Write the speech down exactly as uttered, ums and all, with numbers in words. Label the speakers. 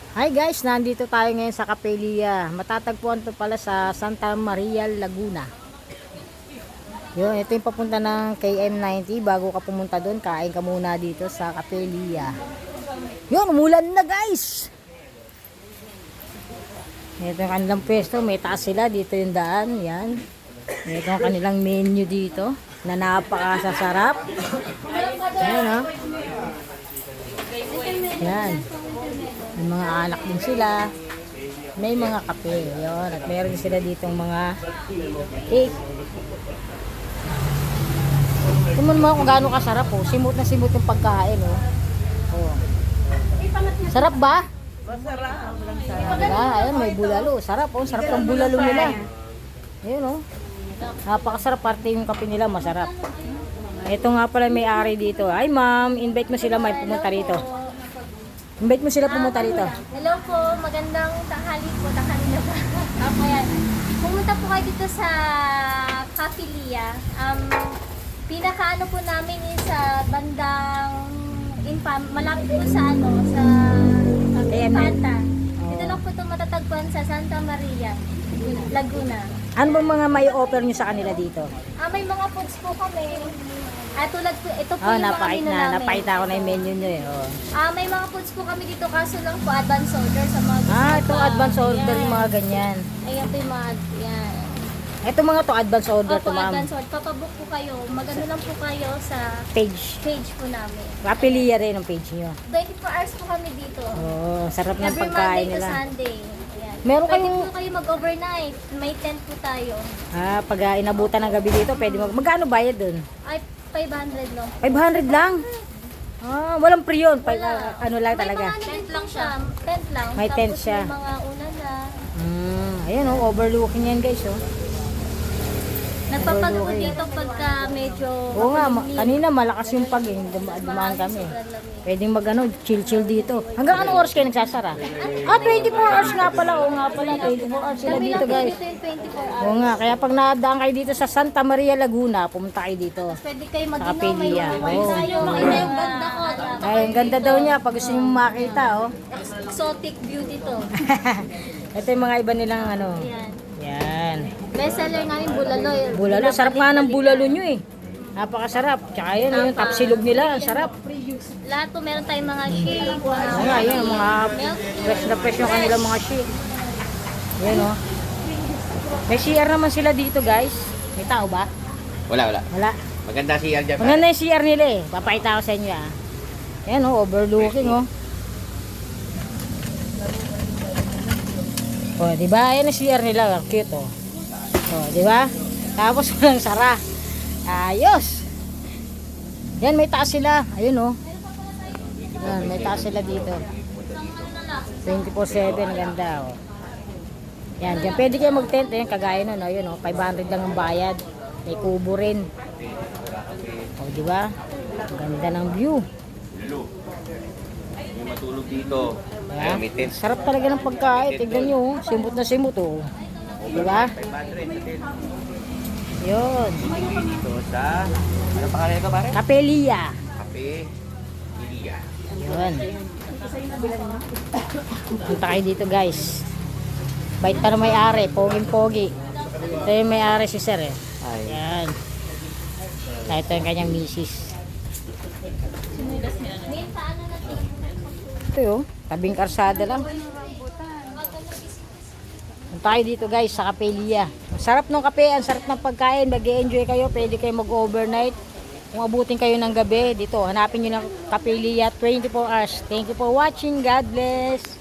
Speaker 1: Hi guys, nandito tayo ngayon sa Capelia. Matatagpuan to pala sa Santa Maria, Laguna. Yun, ito yung papunta ng K M ninety. Bago ka pumunta doon, kain ka muna dito sa Capelia. Yun, umulan na guys! Ito yung kanilang pwesto. May taas sila. Dito yung daan. Yan. Ito yung kanilang menu dito. Na napakasasarap. Yan o. Yan. May mga alak din sila. May mga kape. Yun. At meron sila ditong mga cake. Tumon mo kung gaano kasarap oh. Simot na simot yung pagkain oh. Oh. Sarap ba?
Speaker 2: Masarap.
Speaker 1: Diba? Ayun, may bulalo. Sarap oh. Sarap ng bulalo nila. Ayun oh. Napakasarap. Parte yung kape nila masarap. Ito nga pala may-ari dito. Ay ma'am, invite mo sila may pumunta rito. Invite mo sila pumunta rito.
Speaker 3: Hello po, magandang tanghali po, tanghali na ba? Opo yan. Pumunta po kayo dito sa Capelia. Um, pinakaano po namin is sa bandang Infam, malapit po sa ano, sa Infanta. Dito lang po ito matatagpuan sa Santa Maria, Laguna.
Speaker 1: Ano bang mga may offer nyo sa kanila dito?
Speaker 3: Ah, may mga foods po kami. Ah, tulad po, ito po
Speaker 1: Oh,
Speaker 3: yung mga
Speaker 1: napakita
Speaker 3: menu
Speaker 1: na.
Speaker 3: namin.
Speaker 1: Napakita ko na yung menu nyo eh. Oh.
Speaker 3: Ah, may mga foods po kami dito kaso lang po advance order sa mga gusto
Speaker 1: Ah, ito
Speaker 3: pa.
Speaker 1: advance order
Speaker 3: Yan.
Speaker 1: yung mga ganyan.
Speaker 3: Ayan po yung mga, yan.
Speaker 1: Ito mga to advance order
Speaker 3: Opo,
Speaker 1: to ma'am.
Speaker 3: advance order. Papabook po kayo. Magano lang po kayo sa
Speaker 1: Page.
Speaker 3: page po namin.
Speaker 1: Capelia rin ang page nyo.
Speaker 3: twenty-four hours po kami dito.
Speaker 1: Oh, sarap ng
Speaker 3: Every
Speaker 1: pagkain
Speaker 3: Monday to
Speaker 1: nila.
Speaker 3: Sunday. Ayan.
Speaker 1: Meron
Speaker 3: Pwede
Speaker 1: kayong-
Speaker 3: po kayo mag-overnight. May tent po tayo.
Speaker 1: Ah, pag uh, inabutan ng gabi dito, pwede mag... Magkano bayad dun?
Speaker 3: Ay, five hundred lang.
Speaker 1: five hundred lang? Ah, walang pre yun. Pa,
Speaker 3: Wala.
Speaker 1: ah, ano lang talaga.
Speaker 3: May mga tent lang siya. Tent lang.
Speaker 1: May tent
Speaker 3: Tapos
Speaker 1: siya.
Speaker 3: may mga una na.
Speaker 1: Hmm, ayun oh, overlooking yan guys oh.
Speaker 3: Nagpapagod dito pagka medyo
Speaker 1: Oo nga, ma-
Speaker 3: makulimlim.
Speaker 1: kanina malakas yung pag eh. Duma- dumaan kami.
Speaker 3: Sobrang lamig.
Speaker 1: Pwedeng mag ano, chill-chill dito. Hanggang anong oras kayo nagsasara? Ah, twenty-four hours nga pala. Oo nga pala, twenty-four hours sila
Speaker 3: Kami
Speaker 1: dito
Speaker 3: lang po
Speaker 1: guys.
Speaker 3: dito yung twenty-four hours.
Speaker 1: Oo nga, kaya pag nadaan kayo dito sa Santa Maria, Laguna, pumunta kayo dito.
Speaker 3: Pwede kayo
Speaker 1: Sa
Speaker 3: mag-inom, may
Speaker 1: Capelia.
Speaker 3: wine
Speaker 1: Oo.
Speaker 3: tayo, makita yung ganda ko.
Speaker 1: Ay, ang ganda daw niya pag gusto nyo makita oh.
Speaker 3: Exotic beauty to.
Speaker 1: Ito yung mga iba nilang ano.
Speaker 3: Ayan.
Speaker 1: Yan.
Speaker 3: Bestseller namin bulalo.
Speaker 1: Bulalo, sarap nga ng bulalo nyo eh. Napakasarap. Tsaka yan, yung tapsilog nila, ang sarap.
Speaker 3: Lahat po meron tayong mga shake.
Speaker 1: Oo nga, yan, mga fresh na fresh yung kanilang mga shake. Yan oh. May C R naman sila dito guys. May tao ba?
Speaker 4: Wala, wala.
Speaker 1: Wala.
Speaker 4: Maganda si Al dyan.
Speaker 1: Maganda yung C R nila eh. Papakita ko sa inyo ah. Yan oh, overlooking oh. Oh, di ba? Yan ang C R nila, cute oh. Oh, di ba? Tapos walang sara. Ayos. Yan, may taas sila. Ayun oh. Yan, may taas sila dito. twenty-four seven, ganda oh. Yan, dyan pwede kayo mag-tent eh, kagaya nun, ayun oh, five hundred lang ang bayad. May kubo rin. Oh, di ba? Ang ganda ng view.
Speaker 4: May matulog dito.
Speaker 1: Diba?
Speaker 4: Ay, may tent.
Speaker 1: Sarap talaga ng pagkain. Tignan nyo, oh. Simot na simot oh. Di ba?
Speaker 4: five hundred sa tent.
Speaker 1: Yun.
Speaker 4: Dito sa... Ano pangalan ito pare?
Speaker 1: Capelia.
Speaker 4: Cafe Ilia.
Speaker 1: Yun. Punta kayo dito guys. Bait pa na may-ari. Poging-pogi. Ito yung may-ari si sir eh.
Speaker 4: Ay.
Speaker 1: Yan. Ito yung kanyang misis.
Speaker 3: Minta ano na ito?
Speaker 1: Ito yun. Tabing karsada lang. Punta kayo dito guys sa Capelia. Ang sarap ng kape, ang sarap ng pagkain. Mag-enjoy kayo. Pwede kayo mag-overnight. Kung abutin kayo ng gabi dito, hanapin nyo ng Capelia twenty-four hours. Thank you for watching. God bless.